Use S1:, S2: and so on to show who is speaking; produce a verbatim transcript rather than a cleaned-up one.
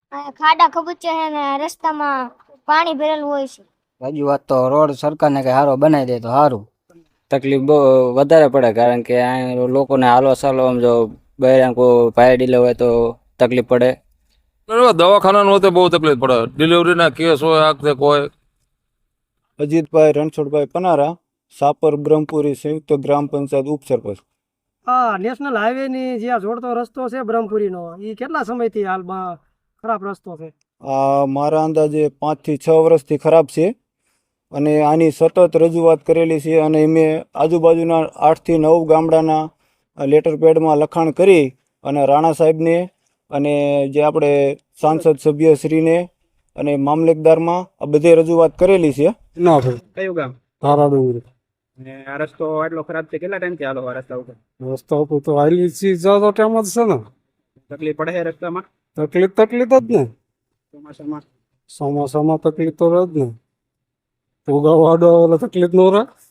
S1: આ ખાડા ખબૂચે છે ને રસ્તામાં પાણી ભરેલું હોય છે.
S2: રજૂઆત તો રોડ સરકારને કઈ સારો બનાવી દે તો સારું. તકલીફ બહુ વધારે પડે કારણ કે આ લોકોને હાલવા ચાલવામાં જો બહાર કોઈ ભાઈ ડીલે હોય તો તકલીફ પડે.
S3: દવાખાનાનું હોય તો બહુ તકલીફ પડે. ડિલિવરીના કેસ હોય આ તે કોઈ.
S4: અજીતભાઈ રણછોડભાઈ પનારા, સાપર બ્રહ્મપુરી સંયુક્ત ગ્રામ પંચાયત ઉપસરપંચ.
S5: હા, નેશનલ હાઈવે ની જે આ જોડતો રસ્તો છે બ્રહ્મપુરીનો, એ કેટલા સમયથી હાલમાં ખરાબ રસ્તો છે?
S4: આ મારા અંદાજે પાંચ થી છ વર્ષથી ખરાબ છે અને આની સતત રજૂઆત કરેલી છે અને મેં આજુબાજુના આઠ થી નવ ગામડાના લેટર પેડમાં લખાણ કરી અને રાણા સાહેબને અને જે આપણે સાંસદ સભ્યશ્રીને અને મામલતદારમાં આ બધે રજૂઆત કરેલી છે.
S6: ના ભાઈ.
S7: કયું ગામ?
S6: તારા ડુંગરી.
S7: ને આ રસ્તો આટલો ખરાબ છે, કેટલા ટાઈમથી હાલો આ રસ્તા ઉપર?
S6: રસ્તા ઉપર તો હાલી ચીજ જતો ટાઈમ જ છે ને.
S7: તકલીફ પડે છે રસ્તામાં?
S6: તકલીફ તકલીફ જ ને.
S7: ચોમાસામાં
S6: ચોમાસામાં તકલીફ તો રહે જ ને. ઉગાવાડો એટલે તકલીફ ન રહે.